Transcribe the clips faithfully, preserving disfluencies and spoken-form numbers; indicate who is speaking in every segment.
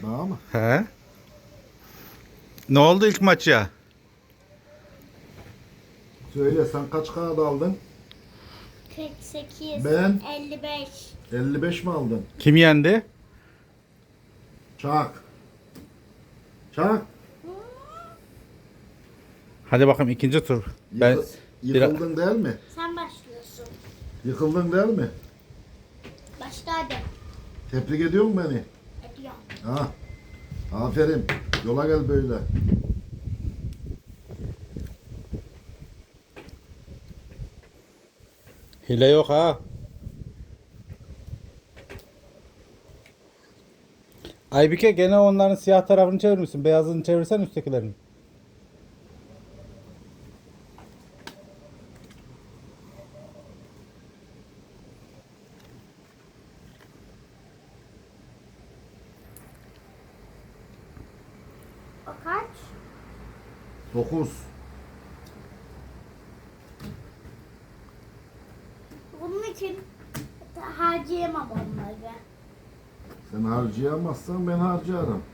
Speaker 1: Bana mı?
Speaker 2: He? Ne oldu ilk maça?
Speaker 1: Söyle sen kaç kağıt aldın?
Speaker 3: kırk sekiz,
Speaker 1: Ben?
Speaker 3: elli beş.
Speaker 1: elli beş mi aldın?
Speaker 2: Kim yendi?
Speaker 1: Çak. Çak.
Speaker 2: Hadi bakalım ikinci tur. Ben
Speaker 1: Yıkı- Yıkıldın değil mi?
Speaker 3: Sen başlıyorsun.
Speaker 1: Yıkıldın değil mi?
Speaker 3: Başla hadi.
Speaker 1: Tebrik ediyor musun beni?
Speaker 3: Ediyorum.
Speaker 1: Ha. Aferin. Yola gel böyle.
Speaker 2: hile yok ha. Aybike gene onların siyah tarafını çevirmişsin. Beyazını çevirsen üsttekilerin.
Speaker 3: O kaç?
Speaker 1: dokuz.
Speaker 3: Bunun için harcayamam onları.
Speaker 1: Sen harcayamazsan ben harcarım.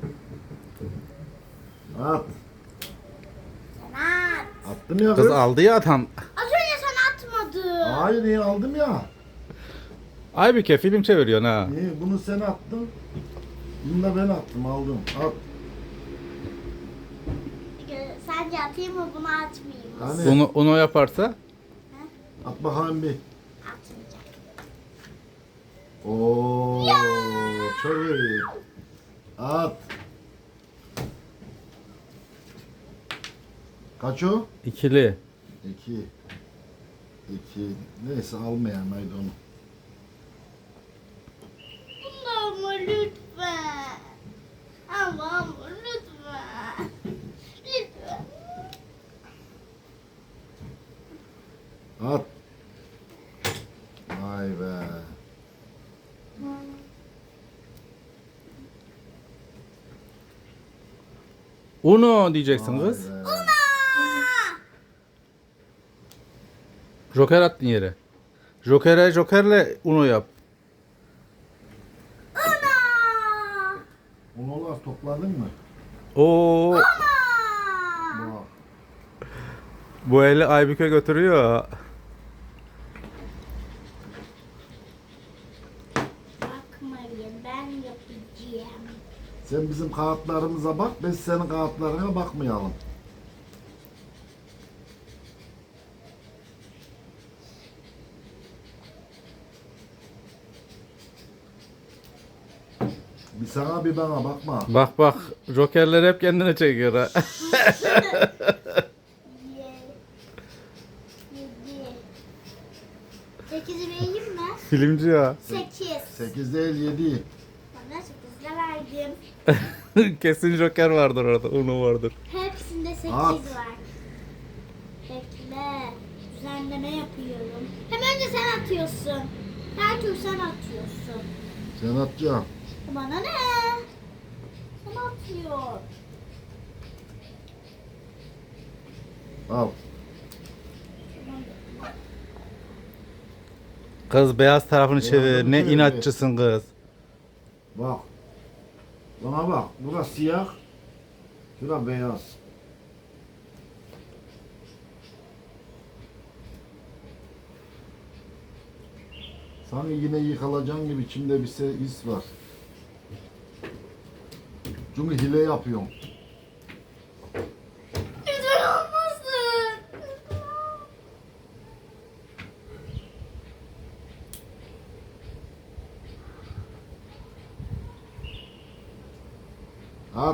Speaker 1: At.
Speaker 3: Sen at.
Speaker 1: Attım ya
Speaker 2: Kız
Speaker 1: kız.
Speaker 2: aldı ya tam.
Speaker 3: Az önce sen atmadın.
Speaker 1: Hayır iyi aldım ya.
Speaker 2: Aybike film çeviriyorsun ha.
Speaker 1: İyi bunu sen attın. Bunu da ben attım aldım. At.
Speaker 3: Ee, Sence atayım mı bunu atmayayım mı?
Speaker 1: Hani
Speaker 2: Onu, onu yaparsa
Speaker 1: at bakalım bir.
Speaker 3: Atmayacağım.
Speaker 1: Oo, çok iyi. At. Kaç o?
Speaker 2: ikili.
Speaker 1: İki. İki. Neyse almayayım haydi onu.
Speaker 3: Bunu ama lütfen. Ama ama lütfen. Lütfen.
Speaker 1: At. Vay be.
Speaker 2: Uno diyeceksin
Speaker 1: Vay
Speaker 2: kız.
Speaker 1: be.
Speaker 2: Joker attın yere. Joker'e Joker'le Uno yap.
Speaker 3: Ana!
Speaker 1: Unolar topladın mı?
Speaker 2: Oo,
Speaker 3: Ana!
Speaker 1: Bak.
Speaker 2: bu eli Aybike götürüyor.
Speaker 3: Bakmayın ben yapacağım.
Speaker 1: Sen bizim kağıtlarımıza bak, biz senin kağıtlarına bakmayalım. Bir sana bir bana bakma.
Speaker 2: Bak bak Joker'ler hep kendine çekiyor ha.
Speaker 3: Ye. Yedi. Sekizi vereyim mi?
Speaker 2: Filmci ya.
Speaker 3: Sekiz.
Speaker 1: Sekiz değil yedi.
Speaker 3: Bana sekizle verdim.
Speaker 2: Kesin Joker vardır orada. Uno vardır.
Speaker 3: Hepsinde sekiz
Speaker 1: At.
Speaker 3: var. Bekle. Düzenleme yapıyorum. Hem önce sen atıyorsun. Her tur sen atıyorsun.
Speaker 1: Sen atacaksın.
Speaker 3: Bana ne? Sen atıyor.
Speaker 1: Al.
Speaker 2: Kız beyaz tarafını
Speaker 1: Beyazını
Speaker 2: çevir. Ne
Speaker 1: çevir.
Speaker 2: inatçısın kız.
Speaker 1: Bak. Bana bak. Burası siyah. Şura beyaz. Sanki yine yıkılacağın gibi içimde bir şey his var. Çünkü hile yapıyorum.
Speaker 3: Lütfen olmasın.
Speaker 1: At.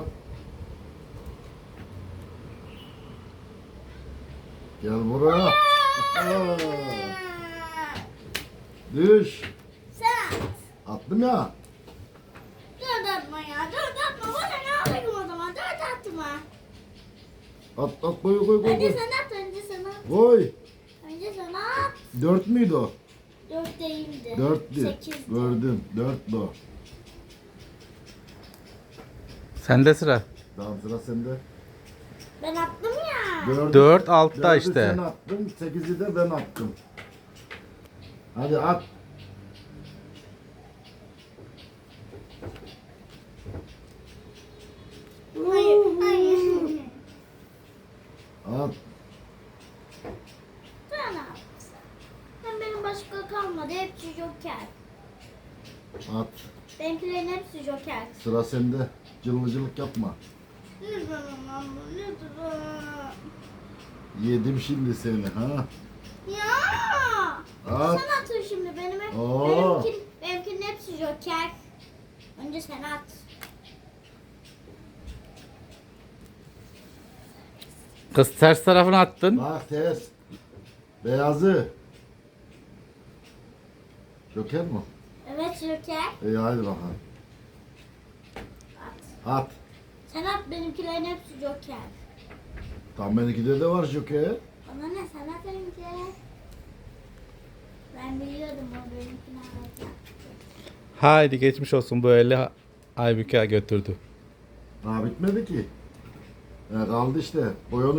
Speaker 1: Gel buraya. Aa, Düş.
Speaker 3: Sen at.
Speaker 1: Attım ya.
Speaker 3: Dört atma ya. Dört atma. Bana ne alayım o zaman? Dört atma.
Speaker 1: At at koy koy koy.
Speaker 3: Önce
Speaker 1: Koy.
Speaker 3: sen at. Önce sen at.
Speaker 1: Koy.
Speaker 3: Önce sen at.
Speaker 1: Dört müydü o?
Speaker 3: Dört değildi.
Speaker 1: Dörttü.
Speaker 3: Sekizdi.
Speaker 1: Gördüm. Dört o.
Speaker 2: Sende sıra.
Speaker 1: Tamam sıra sende.
Speaker 3: Ben attım ya.
Speaker 1: Dördü,
Speaker 2: Dört altta
Speaker 1: dördü
Speaker 2: işte.
Speaker 1: sen attın. Sekizi de ben attım. Hadi at.
Speaker 3: hepsi joker.
Speaker 1: Sıra sende. Cıllıcılık yapma.
Speaker 3: Lütfen ama lütfen.
Speaker 1: Yedim şimdi seni ha.
Speaker 3: Ya.
Speaker 1: At.
Speaker 3: Sen atın şimdi benim hep,
Speaker 1: Oo.
Speaker 3: benimkin, benimkinin hepsi joker. Önce sen at.
Speaker 2: Kız ters tarafını attın.
Speaker 1: Bak ters. Beyazı. Joker mi?
Speaker 3: Evet joker.
Speaker 1: İyi hadi bakalım.
Speaker 3: At.
Speaker 1: At.
Speaker 3: Sen at, benimkilerin hepsi joker.
Speaker 1: Tam benimkide de var Joker.
Speaker 3: Bana ne, sen at önce. Ben biliyordum o benimkini alacak.
Speaker 2: Haydi geçmiş olsun, bu eli Aybüke götürdü.
Speaker 1: Daha bitmedi ki. E, kaldı işte. Boyonu